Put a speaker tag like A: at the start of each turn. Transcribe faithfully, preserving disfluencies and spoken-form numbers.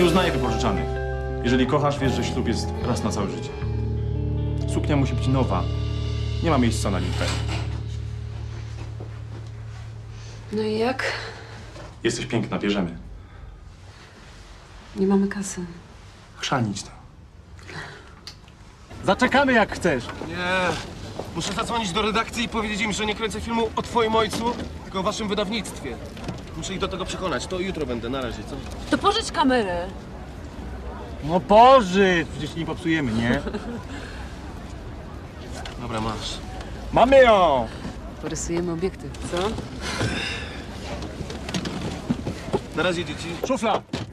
A: uznaję wypożyczanych. Jeżeli kochasz, wiesz, że ślub jest raz na całe życie. Suknia musi być nowa. Nie ma miejsca na limpę.
B: No i jak?
A: Jesteś piękna, bierzemy.
B: Nie mamy kasy.
A: Chrzanić to.
C: Zaczekamy jak chcesz.
D: Nie. Muszę zadzwonić do redakcji i powiedzieć im, że nie kręcę filmu o twoim ojcu, tylko o waszym wydawnictwie. Muszę ich do tego przekonać. To jutro będę. Na razie, co?
B: To pożycz kamerę.
C: No pożycz, przecież nie popsujemy, nie?
D: Dobra, masz.
C: Mamy ją!
B: Porysujemy obiektyw, co?
D: Na razie, dzieci.
C: Szufla!